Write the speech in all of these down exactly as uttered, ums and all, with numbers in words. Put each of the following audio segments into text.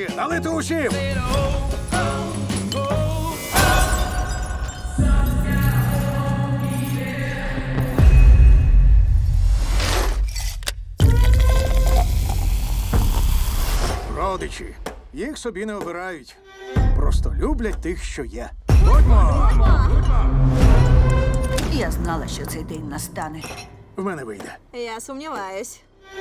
Хлопці, налити усім! Родичі. Їх собі не обирають. Просто люблять тих, що є. Будьмо! Я знала, що цей день настане. В мене вийде. Я сумніваюсь.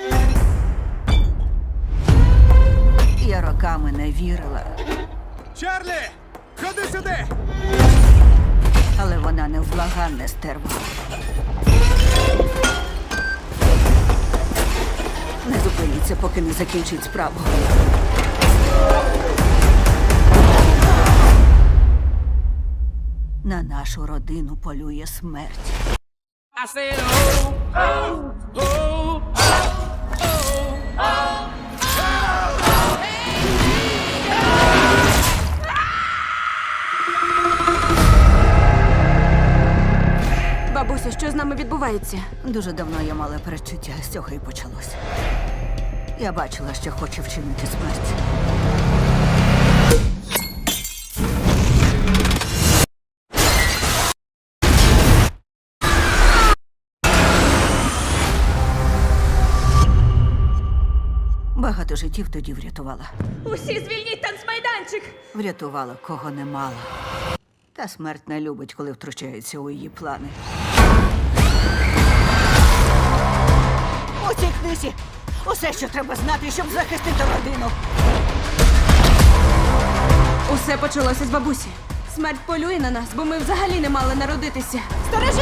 Я роками не вірила, Чарлі! Ходи сюди! але вона невблаганне стерва. Не зупиніться, поки не закінчить справу. На нашу родину полює смерть. I said, oh, oh, oh, Бабусю, що з нами відбувається? Дуже давно я мала перечуття, з цього і почалося. Я бачила, що хоче вчинити смерть. Багато життів тоді врятувала. Усі звільніть танцмайданчик! Врятувала, кого не мала. Та смерть не любить, коли втручається у її плани. У цій книзі усе, що треба знати, щоб захистити родину. Усе почалося з бабусі. Смерть полює на нас, бо ми взагалі не мали народитися. Сторожись!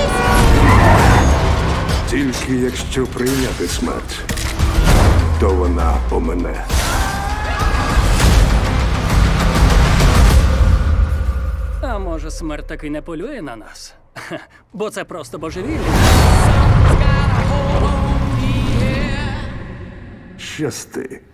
Тільки якщо прийняти смерть, то вона помине. А може, смерть таки не полює на нас? Хе, бо це просто божевілля. Щасти.